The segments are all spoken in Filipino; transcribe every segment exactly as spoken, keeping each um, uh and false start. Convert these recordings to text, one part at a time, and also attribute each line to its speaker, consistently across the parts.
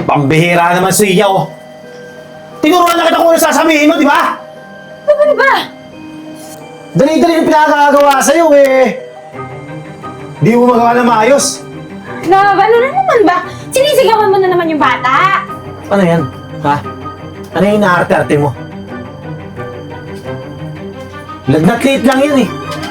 Speaker 1: Pambihira naman si Iya, oh. Tinuruan na kita kung ano sasabihin mo, di ba?
Speaker 2: Ano ba?
Speaker 1: Dali-dali yung pinakakagawa sa'yo, eh. Di mo magawa na maayos.
Speaker 2: Love, ano na naman ba? Sinisigawan mo na naman yung bata.
Speaker 1: Ano yan? Ha? Ano yung inaarte-arte mo? Lagnat liit lang yan, eh.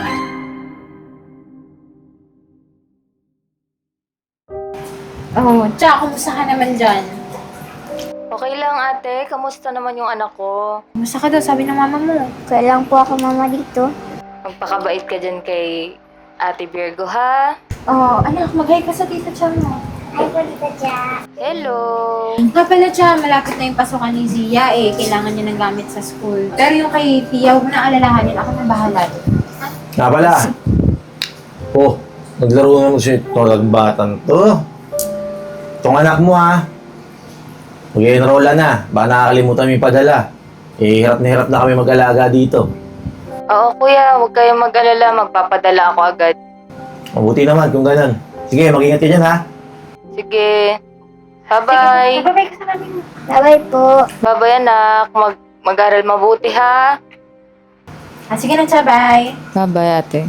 Speaker 2: Oh, tsaka kumusta ka naman dyan?
Speaker 3: Okay lang ate, kamusta naman yung anak ko?
Speaker 2: Kumusta ka daw, sabi ng mama mo.
Speaker 4: Kaya lang po ako mama dito.
Speaker 3: Magpakabait ka dyan kay Ate Virgo ha?
Speaker 2: Oh, anak, mag-hi ka sa tita Cham mo.
Speaker 4: Ay po, Tita Cha.
Speaker 3: Hello!
Speaker 2: Nga pala Cham, malapit na yung pasukan ni Zia eh. Kailangan niya ng gamit sa school. Pero yung kay Tia, huwag mo na alalahanin. Ako na bahala doon.
Speaker 1: Nga pala. Oh, naglaro naman si Tolag Batang to. Itong anak mo, ha? Mag-enrolla na. Baka nakakalimutan mo yung padala. Eh, hirap na hirap na kami mag-alaga dito.
Speaker 3: Oo kuya, huwag kayong mag-alala, magpapadala ako agad.
Speaker 1: Mabuti naman kung ganun. Sige, mag-ingat ka dyan, ha?
Speaker 3: Sige. Bye-bye!
Speaker 2: Babay ka sa namin.
Speaker 4: Bye-bye po.
Speaker 3: Bye-bye anak, mag mag-aral mabuti ha?
Speaker 2: Ah, sige na, Cha, bye.
Speaker 3: Bye-bye ate.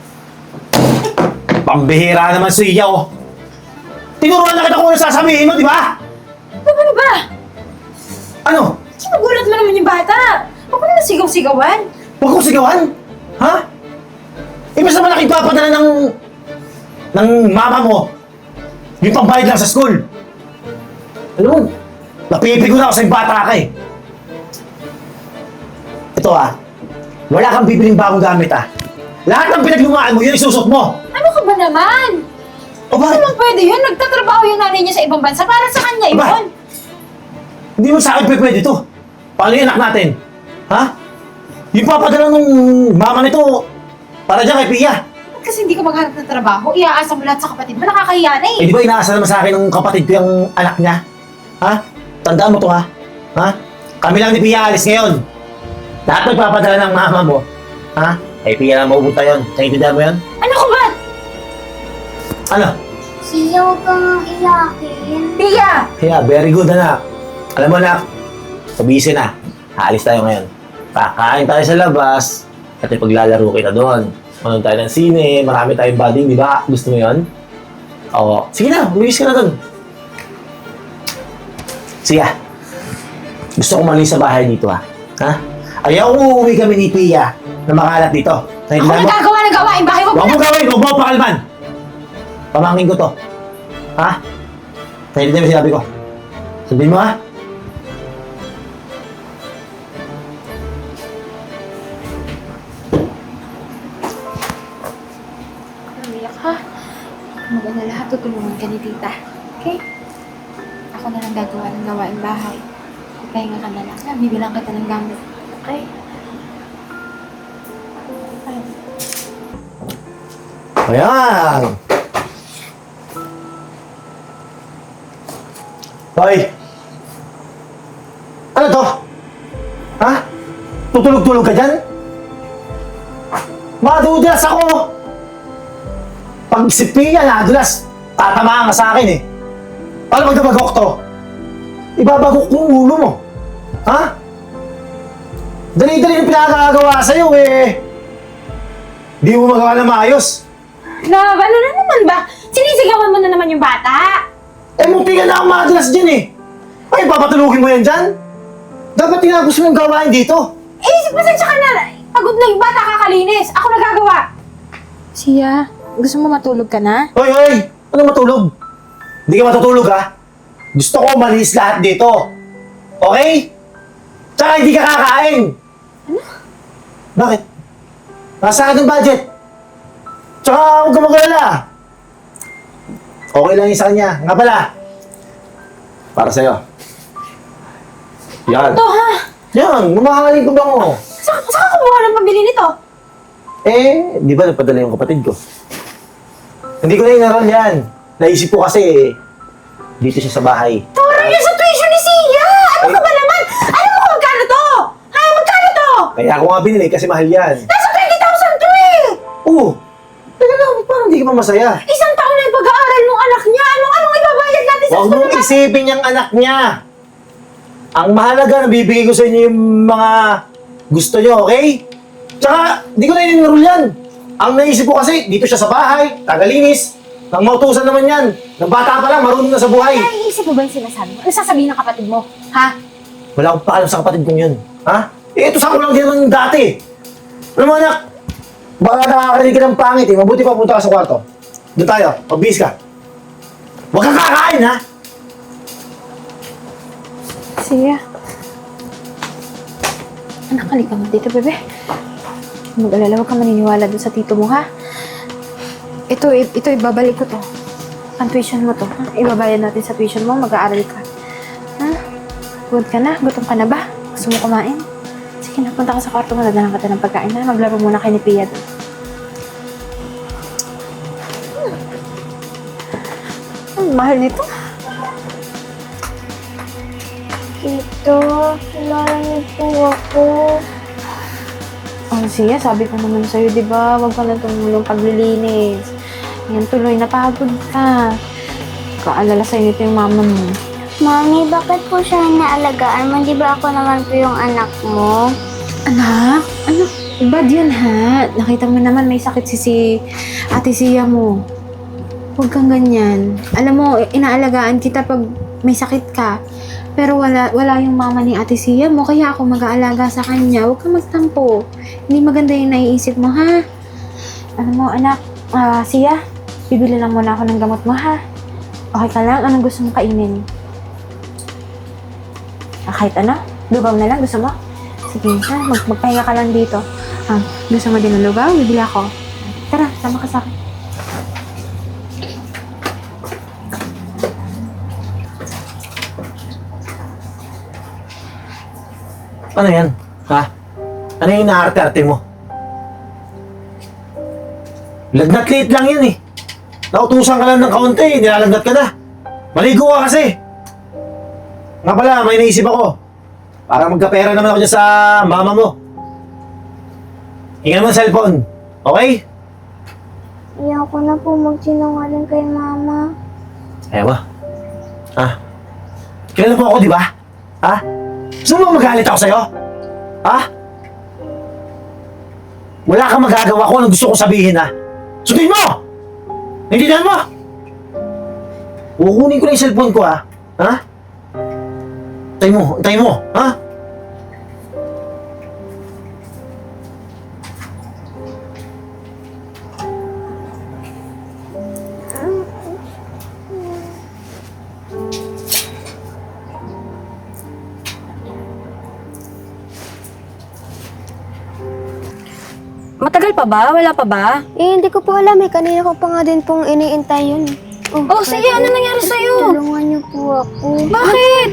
Speaker 1: Pambihira naman si Iya, oh. Tinuruan na kita kung ano sasabihin mo, di ba?
Speaker 2: Ano ba?
Speaker 1: Ano?
Speaker 2: Sinugulat mo naman yung bata. Huwag mo na sigaw-sigawan.
Speaker 1: Huwag kong sigawan? Ha? Ibig naman nakipagpadala ng... ng mama mo. Yung pambayad lang sa school. Alam mo, napipigo na ako sa yung bata ka eh. Ito ah, wala kang bibiling bagong gamit ah. Lahat ng pinaglumaan mo, yun isusot mo.
Speaker 2: Ano ka ba naman?
Speaker 1: O
Speaker 2: Hindi
Speaker 1: bakit?
Speaker 2: naman pwede yun. Nagtatrabaho yung nanay niya sa ibang bansa para sa kanya
Speaker 1: Aba,
Speaker 2: yun.
Speaker 1: Hindi mo sa akin pe- pwede to. Paano yung anak natin? Ha? Yung papadala ng mama nito para dyan kay Pia.
Speaker 2: Ba't kasi hindi ka maghanap ng trabaho? Iaasa mo lahat sa kapatid mo. Nakakahiya na eh.
Speaker 1: Eh di ba inaasa naman sa akin ng kapatid ko yung anak niya? Ha? Tandaan mo to ha? Ha? Kami lang ni Pia alis ngayon. Lahat magpapadala ng mama mo. Ha? Kay Pia lang maubuta yun. Naintindihan mo yun?
Speaker 2: Ano ko ba?
Speaker 1: Ano?
Speaker 4: Siya, huwag kang iyakin.
Speaker 2: Tia!
Speaker 1: Yeah, very good anak. Alam mo anak, sabisi na. Aalis tayo ngayon. Kakain tayo sa labas at ipaglalaro kita doon. Manood tayo ng sine, marami tayong banding, di ba? Gusto mo yun? Oo. Sige na, umiwis ka na doon. Sige. Gusto ko malis sa bahay dito ha. Ha? Ayaw ko uuwi kami ni Pia na makalat dito.
Speaker 2: Ako
Speaker 1: Naintindihan mo?
Speaker 2: nagagawa ng gawain bahay. Huwag mo
Speaker 1: Huwag
Speaker 2: na...
Speaker 1: mo gawin! Huwag mo pakalman! Pamangkin ko to. Ha? Naintindihan mo sinabi ko? Sabihin mo ha?
Speaker 2: Umiyak ha. Maganda lahat. Tutulungan ka ni tita. Okay? Ako na lang gagawa ng gawain bahay. Pahinga ka na lang. Ha? Bibilang kita ng gamit. Okay? Ay.
Speaker 1: Ayan! Hoy! Ano to? Ha? Tutulog-tulog ka dyan? Madudulas ako! Pag si Pia nadulas, tatamaan ka sa akin eh. Paano magdabagok to? Ibabagok mo ulo mo. Ha? Dali-dali yung pinakakagawa sa'yo eh. Di mo magawa na maayos.
Speaker 2: Love, ano na naman ba? Sinisigawan mo na naman yung bata.
Speaker 1: Eh, munti ka na akong madulas dyan eh. Ay, papatulugin mo yan dyan? Dapat tinapos mo yung gawain dito.
Speaker 2: Eh, pasensya ka na. Pagod na yung bata kakalinis. Ako nagagawa. Siya, gusto mo matulog ka na?
Speaker 1: Hoy, hoy! Ano matulog? Hindi ka matutulog ha? Gusto ko malis lahat dito. Okay? Tsaka hindi ka kakain.
Speaker 2: Ano?
Speaker 1: Bakit? Nasa akin ang budget. Tsaka huwag ka mag-alala. Okay lang yun sa kanya. Nga pala. Para sa'yo. Yan.
Speaker 2: Ito ha?
Speaker 1: Yan, mamahalin ko ba mo?
Speaker 2: Saan saan ka kumuha ng pambili nito?
Speaker 1: Eh, di ba nagpadala yung kapatid ko? Hindi ko na inaral yan. Naisip ko kasi, dito siya sa bahay.
Speaker 2: Tora niya sa tuition ni Sia! Ano ka ba naman? Alam mo kung magkano to? Ha? Magkano to?
Speaker 1: Kaya ako nga binili kasi mahal yan.
Speaker 2: Nasa twenty thousand to eh!
Speaker 1: Oo. Teka lang, parang hindi ka pa masaya.
Speaker 2: Isang taon na yung pag-aaral ng anak niya. Anong, anong ibabayad natin
Speaker 1: Huwag mong isipin yung anak niya. Ang mahalaga, nabibigay ko sa inyo yung mga gusto niyo, okay? Tsaka, di ko na ininrol yan. Ang naisip ko kasi, dito siya sa bahay, tagalinis. Nang mautusan naman yan. Nang bata pa lang, marunong na sa buhay.
Speaker 2: Naiisip mo ba yung sinasabi mo? Ano sasabihin ng kapatid mo? Ha?
Speaker 1: Wala akong paalam sa kapatid kong yun. Ha? Eh, ito sa ako lang din naman dati. Alam mo, anak, baka nakakarinig ka ng pangit eh. Mabuti pa punta ka sa kwarto. Doon tayo, magbihis ka. Huwag kang kakain, ha?
Speaker 2: Siya. Anak, halika mo dito, bebe. Mag-alala, huwag ka maniniwala dun sa tito mo, ha? Ito, i- ito, ibabalik ko to. Ang tuition mo to, ha? Ibabayad natin sa tuition mo, mag-aaral ka. Ha? Good ka na? Gutom ka na ba? Gusto mo kumain? Sige na, punta ka sa kwarto mo, dadalang ka ng pagkain, ha? Maglaro muna kay ni Pia doon. Ang mahal nito.
Speaker 4: Tito, kilala niyo po ako.
Speaker 2: Oh, siya, sabi ko naman sa'yo, di ba? Huwag ka na tumulong paglilinis. Yan, tuloy, napagod ka. Kaalala sa'yo nito yung mama mo.
Speaker 4: Mami, bakit po siya inaalagaan mo? Di ba ako naman po yung anak mo?
Speaker 2: Anak? Ano? Bad yan, ha? Nakita mo naman may sakit si, si ate Sia mo. Huwag kang ganyan. Alam mo, inaalagaan kita pag may sakit ka. Pero wala wala yung mama ni ate Sia mo, kaya ako mag-aalaga sa kanya. Huwag kang magtampo. Hindi maganda yung naiisip mo, ha? Alam mo, anak, ah, Sia, bibili lang muna ako ng gamot mo, ha? Okay ka lang? Anong gusto mong kainin? Ah, kahit ano? Lugaw na lang, gusto mo? Sige, ha? Mag magpahinga ka lang dito. Ah, gusto mo din ng lugaw? Bibili ako. Tara, sama ka sa akin.
Speaker 1: Ano yan? Ha? Ano yung inaarte-arte mo? Lagnat liit lang yan eh. Nautusan ka lang ng kaunti, nilalagnat ka na. Maligo ka kasi. Nga pala, may naisip ako. Para magkapera naman ako dyan sa mama mo. Hingan mo ang cellphone. Okay?
Speaker 4: Ayoko na po magsinungaling kay mama.
Speaker 1: Ayaw mo? Ha? Kilala mo ako, di ba? Ha? Gusto mo magalit ako sa'yo? Ha? Wala kang magagawa kung ano gusto kong sabihin, ha? Sundin mo! Naintindihan mo? Kukunin ko na yung cellphone ko, ha? Ha? Antay mo, antay mo, ha?
Speaker 5: Matagal pa ba? Wala pa ba?
Speaker 6: Eh, hindi ko po alam eh. Kanina ko pa nga din pong iniintay yun.
Speaker 5: Oh, sige, ano nangyari sa'yo?
Speaker 4: Tulungan niyo po ako.
Speaker 5: Bakit?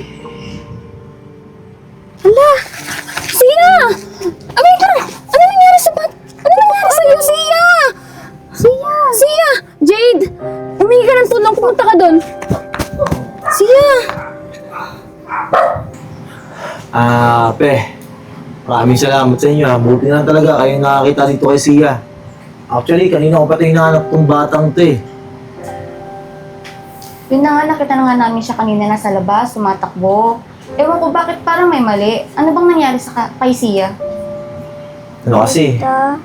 Speaker 5: Hala! Sia! Amay ka! Ano nangyari sa bat? Ano nangyari sa'yo, Sia? Sia! Sia! Jade! Humingi ka ng tulong. Pumunta ka doon. Sia!
Speaker 1: Ah, pe. Maraming salamat sa inyo, ha? Buti na lang talaga kayo nakakita dito kay Sia. Actually, kanina ko pati hinahanap tong batang to eh.
Speaker 5: Yun na nga, nakita na nga namin siya kanina nasa labas, tumatakbo. Ewan ko bakit parang may mali. Ano bang nangyari sa ka- kay Sia?
Speaker 1: Ano kasi?
Speaker 4: Ta,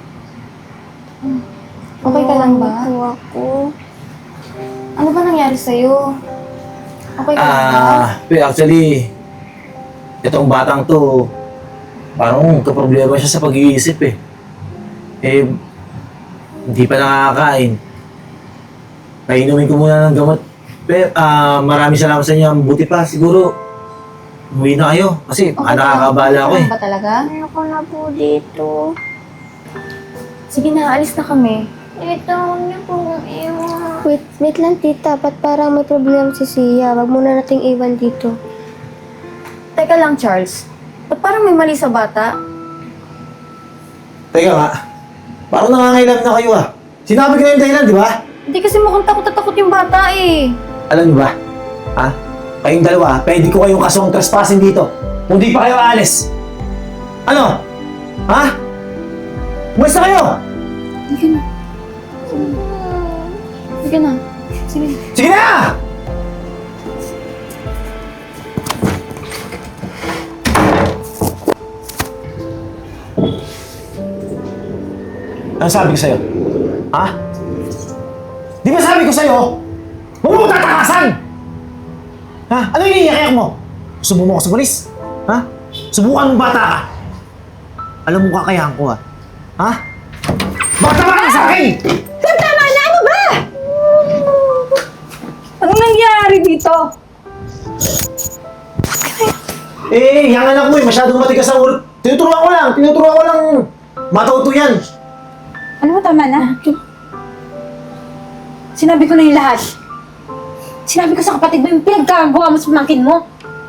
Speaker 5: Okay ka lang ba?
Speaker 4: po ako.
Speaker 5: Ano ba nangyari sa'yo? Okay ka lang ba?
Speaker 1: Ah, pe, actually, itong batang to, parang kaproblema siya sa pag-iisip eh. Eh, hindi pa nakakain. Painumin ko muna ng gamot. Pero, ah, maraming salamat sa inyo. Buti pa, siguro, umuwi na kayo. Kasi,
Speaker 5: Okay
Speaker 1: okay,
Speaker 5: ka lang?
Speaker 1: nakakabala ako
Speaker 5: Okay
Speaker 1: eh.
Speaker 5: lang ba talaga?
Speaker 4: Ayoko na po dito.
Speaker 5: Sige na, alis na kami.
Speaker 4: Ito, huwag niyo po iwan.
Speaker 6: Wait, wait lang tita. Ba't parang may problema si Sia? Wag muna nating iwan dito.
Speaker 5: Teka lang, Charles. Ba't parang may mali sa bata?
Speaker 1: Teka nga, parang nangangailangan na kayo ah. Sinabi ko na yung dahilan, di ba?
Speaker 5: Hindi kasi mukhang takot na takot yung bata eh.
Speaker 1: Alam niyo ba? Ha? Kayong dalawa, pwede ko kayong kasong trespassing dito. Kung di pa kayo aalis. Ano? Ha? Umalis na kayo!
Speaker 5: Sige na. Sige na. Sige.
Speaker 1: Sige na! Ano sabi ko sa'yo? Ha? Di ba sabi ko sa'yo? Huwag mo ko tatakasan! Ha? Ano yung iniiyak mo? Subukan mo ko sa polis? Ha? Subukan mong bata ka? Alam mo kakayahan ko ha? Ha? Bata ka lang sa akin!
Speaker 5: Tama na! Ano ba? Anong nangyari dito?
Speaker 1: Eh, yung anak mo eh, masyadong matigas ang ulo. Tinuturuan ko lang, tinuturuan ko lang matuto yan.
Speaker 2: Alam mo, tama na. Sinabi ko na yung lahat. Sinabi ko sa kapatid mo yung pinagkagawa mo sa pamangkin mo.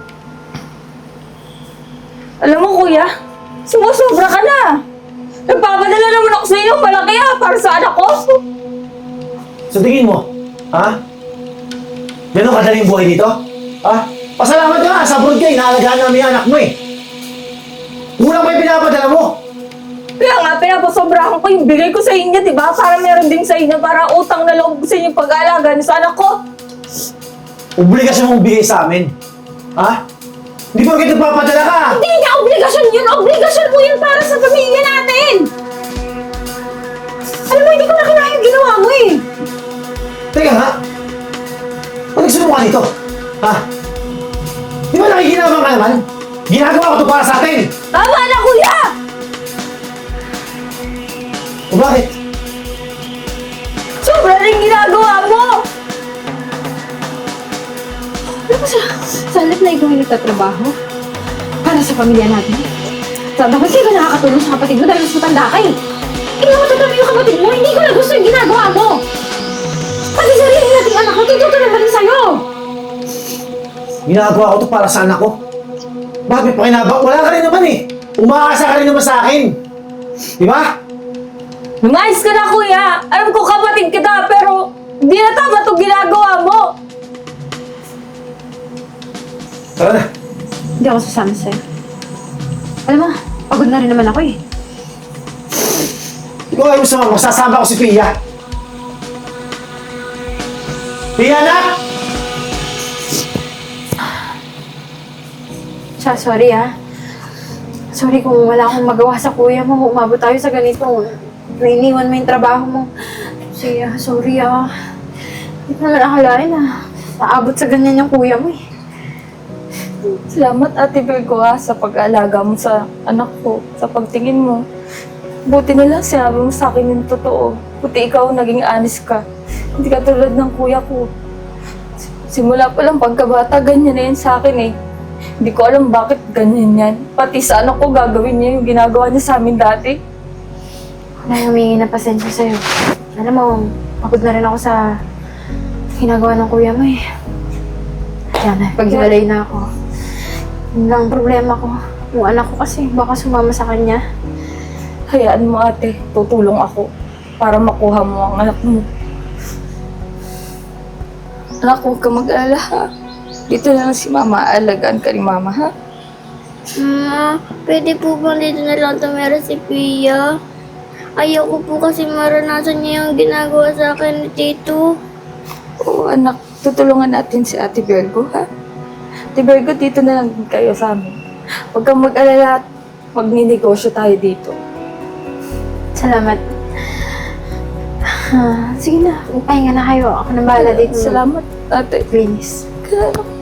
Speaker 5: Alam mo, kuya, sumusobra ka na. Nagpapadala naman ako sa inyo, malaki ha, para sa anak ko.
Speaker 1: Sa tingin mo, ha? Ganun kadali yung buhay dito? Ha? Pasalamat ka nga, sa abroad ka, inaalagaan namin yung anak mo eh. Kulang pa yung pinapadala mo.
Speaker 5: Kaya nga, pinapasobrahan ko yung bigay ko sa inyo, di ba? Para meron din sa inyo, para utang na loob ko sa inyo pag-aalaga sa anak ko.
Speaker 1: Obligasyon mong bigay sa amin. Ha? Hindi mo kita papadala ka.
Speaker 5: Hindi niya obligasyon yun! Obligasyon mo yun para sa pamilya natin! Alam mo, hindi ko na kinaya yung ginawa mo eh!
Speaker 1: Teka nga. Ba't nagsumo ka dito? Ha? Di ba nakikinabang ka naman? Ginagawa ko ito para sa atin!
Speaker 5: Tama na, kuya!
Speaker 1: O bakit?
Speaker 5: Sobra rin ginagawa mo!
Speaker 2: Alam mo sa, sa halip na ikaw yung nagtatrabaho para sa pamilya natin. Sa dapat kayo nakakatulong sa kapatid mo dahil mas matanda ka eh. Ikaw matatabi yung kapatid mo, hindi ko na gusto yung ginagawa mo. Pati sarili nating anak, natututo naman din sa'yo.
Speaker 1: Ginagawa ko ito para sa anak ko. Bakit pa kinabang? Wala ka rin naman eh. Umaasa ka rin naman sa akin. Di ba?
Speaker 5: Lumayas ka na, kuya! Alam ko kapatid kita, pero hindi na tama itong ginagawa mo!
Speaker 1: Tara na.
Speaker 2: Hindi ako sasama sa'yo. Alam mo, pagod na rin naman ako eh.
Speaker 1: Ikaw ayaw mo sa mga masasama ko si Pia. Pia, anak!
Speaker 2: Siya, sorry ah. Sorry kung wala akong magawa sa kuya mo. Umabot tayo sa ganito. Nainiwan mo yung trabaho mo. Siya, sorry ah. Hindi ko naman akalain ah. Naabot sa ganyan yung kuya mo eh.
Speaker 5: Salamat, Ate Virgo, ha, sa pag-aalaga mo sa anak ko, sa pagtingin mo. Buti na lang sinabi mo sa akin yung totoo. Buti ikaw naging honest ka. Hindi ka tulad ng kuya ko. Simula pa lang pagkabata, ganyan na yan sa akin eh. Hindi ko alam bakit ganyan yan. Pati sa anak ko gagawin niya yung ginagawa niya sa amin dati.
Speaker 2: Nay, humingi na pasensya sa'yo. Alam mo, pagod na rin ako sa ginagawa ng kuya mo eh. Kaya na, paghiwalay na ako. Yun lang ang problema ko. Yung anak ko kasi, baka sumama sa kanya.
Speaker 5: Hayaan mo, ate. Tutulong ako para makuha mo ang anak mo. Anak, huwag ka mag-alala, ha? Dito na lang si mama. Alagaan ka ni mama, ha?
Speaker 4: Ma, pwede po bang dito na lang tumira si Pia? Ayoko po kasi maranasan niya yung ginagawa sa akin ni Tito.
Speaker 5: Oo, anak. Tutulungan natin si Ate Virgo, ha? Ate Virgo, dito na lang din kayo sa amin. Huwag kang mag-alala at magninegosyo tayo dito.
Speaker 2: Salamat. Ah, sige na, pahinga na kayo. Ako na bahala dito.
Speaker 5: Salamat, ate.
Speaker 2: Please.
Speaker 5: Kaya,